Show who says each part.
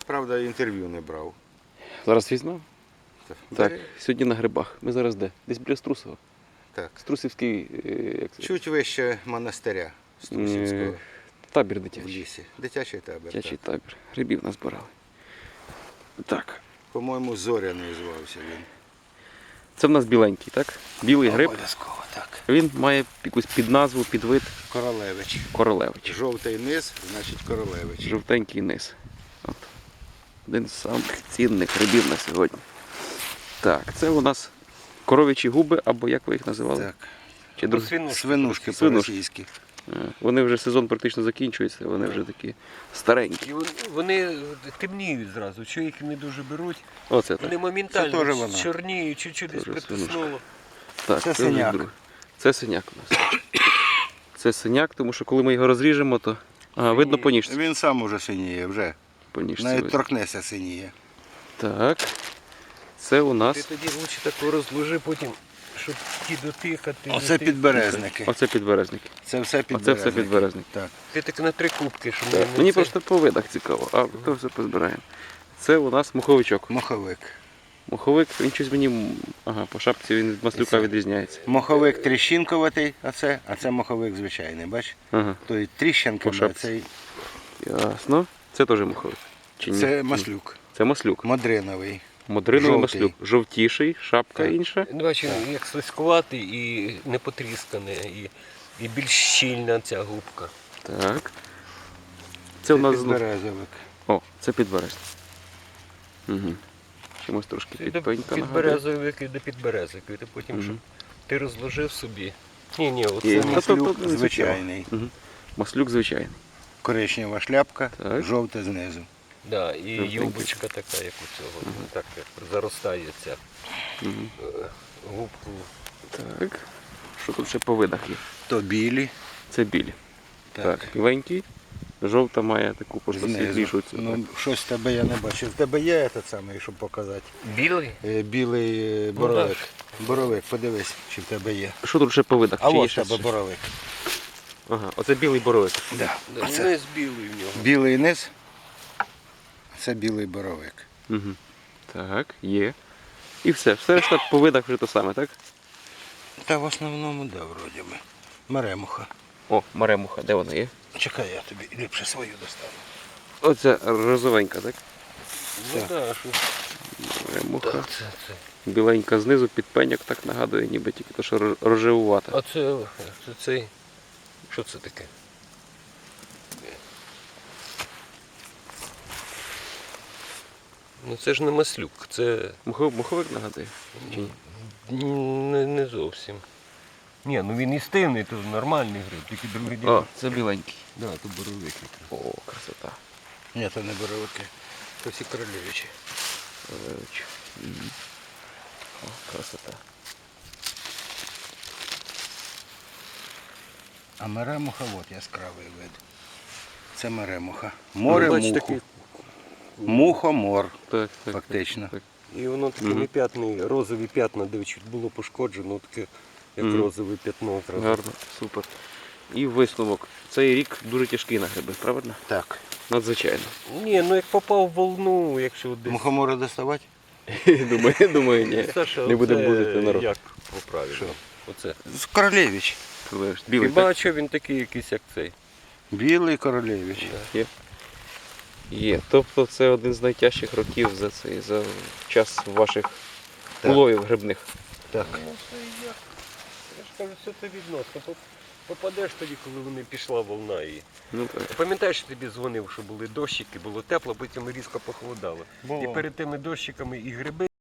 Speaker 1: Правда, інтерв'ю не брав.
Speaker 2: Зараз візьмемо? Так,
Speaker 1: Бери.
Speaker 2: сьогодні на грибах. Ми зараз де? Десь біля Струсова.
Speaker 1: Так.
Speaker 2: Струсівський як це?
Speaker 1: Чуть вище монастиря Струсівського
Speaker 2: Табір
Speaker 1: в
Speaker 2: дитячий.
Speaker 1: лісі. Дитячий табір.
Speaker 2: Дитячий
Speaker 1: Так.
Speaker 2: табір. Грибів назбирали. Так.
Speaker 1: По-моєму, Зоряний звався він.
Speaker 2: Це в нас біленький, так? Білий гриб.
Speaker 1: Обов'язково, так.
Speaker 2: Він має якусь підназву, підвид
Speaker 1: Королевич.
Speaker 2: королевич.
Speaker 1: Жовтий низ, значить королевич.
Speaker 2: Жовтенький низ. От. Один з самих цінних грибів на сьогодні. Так, це у нас коров'ячі губи, або як ви їх називали?
Speaker 1: Так.
Speaker 2: Чи друг...
Speaker 1: Свинушки
Speaker 2: Свинушки.
Speaker 1: по-російськи.
Speaker 2: Вони вже сезон практично закінчується, вони вже такі старенькі.
Speaker 3: І вони темніють зразу, що їх не дуже беруть.
Speaker 2: Оце
Speaker 3: Вони
Speaker 2: так.
Speaker 1: Це
Speaker 3: моментально
Speaker 1: теж вона.
Speaker 3: чорніють, чуть-чуть десь
Speaker 2: Теж
Speaker 3: притиснуло.
Speaker 2: Так,
Speaker 1: Це
Speaker 2: вже
Speaker 1: синяк.
Speaker 2: друге. Це синяк у нас. Це синяк, тому що коли ми його розріжемо, то видно по ніжці.
Speaker 1: Він сам уже синіє, вже.
Speaker 2: По ніжці
Speaker 1: Навіть
Speaker 2: видно.
Speaker 1: торкнеться синіє.
Speaker 2: Так. Це у
Speaker 3: Ти
Speaker 2: нас.
Speaker 3: тоді лучше тако розложи потім, щоб ті дотикати.
Speaker 1: Оце підберезники.
Speaker 2: Оце підберезники.
Speaker 1: Це все
Speaker 2: Оце
Speaker 1: підберезники.
Speaker 2: все підберезники.
Speaker 1: Так.
Speaker 3: Ти так на 3 кубки, щоб
Speaker 2: Так.
Speaker 3: не
Speaker 2: Мені
Speaker 3: це.
Speaker 2: просто по видах цікаво, а то все позбираємо. Це у нас моховичок.
Speaker 1: Моховик.
Speaker 2: Моховик, він щось мені. Ага, по шапці він від маслюка відрізняється.
Speaker 1: Моховик тріщинковатий, а це моховик звичайний, бач?
Speaker 2: Ага,
Speaker 1: Той тріщинками,
Speaker 2: По
Speaker 1: а
Speaker 2: шапці.
Speaker 1: цей
Speaker 2: ясно. Це теж моховик. Чи ні?
Speaker 1: це маслюк.
Speaker 2: Це маслюк.
Speaker 1: Модриновий.
Speaker 2: Модриновий
Speaker 1: Жовтий.
Speaker 2: маслюк. Жовтіший, шапка
Speaker 1: Так.
Speaker 2: інша.
Speaker 3: Ну, бачиш, як слизькуватий і не потріскане, і більш щільна ця губка.
Speaker 2: Так. Це у нас знов.
Speaker 1: підберезовик.
Speaker 2: О, це підберезник. Угу. Чимось трошки
Speaker 3: Це
Speaker 2: підпенька нагадує.
Speaker 3: підберезовик і до підберезовик. Ти потім, щоб ти розложив собі. Ні, оце
Speaker 2: Є.
Speaker 3: не
Speaker 2: Та то-
Speaker 1: Маслюк
Speaker 2: то не
Speaker 1: звичайний.
Speaker 2: Угу. Маслюк звичайний.
Speaker 1: Коричнева шляпка,
Speaker 2: Так.
Speaker 1: жовте знизу.
Speaker 3: Да, і
Speaker 2: Жовтенький.
Speaker 3: юбочка така, як у цього. Так як заростає ця
Speaker 2: Угу.
Speaker 3: губку.
Speaker 2: Так. Що тут ще по видах є?
Speaker 1: То білі.
Speaker 2: Це білі.
Speaker 1: Так.
Speaker 2: Так, біленький. Жовта має таку просто
Speaker 1: Знизу.
Speaker 2: світлішу цю.
Speaker 1: Ну, щось в тебе я не бачив. В тебе є этот самий, щоб показати.
Speaker 3: Білий?
Speaker 1: Білий боровик. Боровик, подивись, чи в тебе є.
Speaker 2: Що тут ще по видах?
Speaker 1: А
Speaker 2: Чи є
Speaker 1: ось в
Speaker 2: ще
Speaker 1: тебе
Speaker 2: щось?
Speaker 1: боровик.
Speaker 2: Ага, оце білий боровик.
Speaker 1: Да.
Speaker 3: Да,
Speaker 1: Оце
Speaker 3: низ білий в нього.
Speaker 1: білий низ, це білий боровик.
Speaker 2: Угу. Так, є. І все. Все решта по видах вже те саме, так?
Speaker 1: Та в основному, да, вроді би. Меремуха.
Speaker 2: О, маремуха, де вона є?
Speaker 1: Чекай, я тобі ліпше свою достану.
Speaker 2: Оце розовенька, так?
Speaker 3: Ну
Speaker 1: Так.
Speaker 3: так, що
Speaker 2: Маремуха.
Speaker 3: це.
Speaker 2: Біленька знизу, підпеньок так нагадує, ніби тільки то, що рожевувата.
Speaker 3: А це цей. Що це таке? Ну це ж не маслюк, це
Speaker 2: Муховик нагадує? Чи ні?
Speaker 3: не зовсім. Ні, ну він і стивний, то нормальний гриб, тільки другий день.
Speaker 2: О, це біленький.
Speaker 3: Да, то боровик.
Speaker 2: О, красота.
Speaker 1: Ні, це не боровики. То всі королевичі.
Speaker 2: Королевич. Мгм. О, красота.
Speaker 1: А меремуха, от яскравий вид. Це меремуха.
Speaker 3: Ну,
Speaker 1: Море
Speaker 3: бач,
Speaker 1: муху.
Speaker 3: такий.
Speaker 1: Мухомор,
Speaker 2: Так, так.
Speaker 1: фактично.
Speaker 2: Так.
Speaker 3: І воно такими п'ятнами, розові п'ятна, де чуть було пошкоджено, таке як
Speaker 2: Мгм.
Speaker 3: розове п'ятно. одразу.
Speaker 2: Гарно, супер. І висновок. Цей рік дуже тяжкий на гриби, правильно?
Speaker 1: Так.
Speaker 2: Надзвичайно.
Speaker 3: Ні, ну як попав в волну, якщо десь.
Speaker 1: Мухомори доставати?
Speaker 2: Думаю, ні.
Speaker 3: Саша,
Speaker 2: Не будемо
Speaker 3: оце
Speaker 2: будити народ.
Speaker 3: Як поправити? Оце.
Speaker 1: З королевич.
Speaker 2: Білий,
Speaker 3: Хіба
Speaker 2: так?
Speaker 3: що він такий якийсь, як цей?
Speaker 1: Білий королевич.
Speaker 2: Є. Є. Тобто це один з найтяжчих років за час ваших
Speaker 1: Так.
Speaker 2: уловів грибних.
Speaker 1: Так.
Speaker 3: Ну це як? Я ж кажу, все це відносно. Попадеш тоді, коли вони пішла волна. І...
Speaker 2: Ну, так.
Speaker 3: Пам'ятаєш, я тобі дзвонив, що були дощики, було тепло, потім різко похолодало.
Speaker 1: Було.
Speaker 3: І перед тими дощиками і гриби.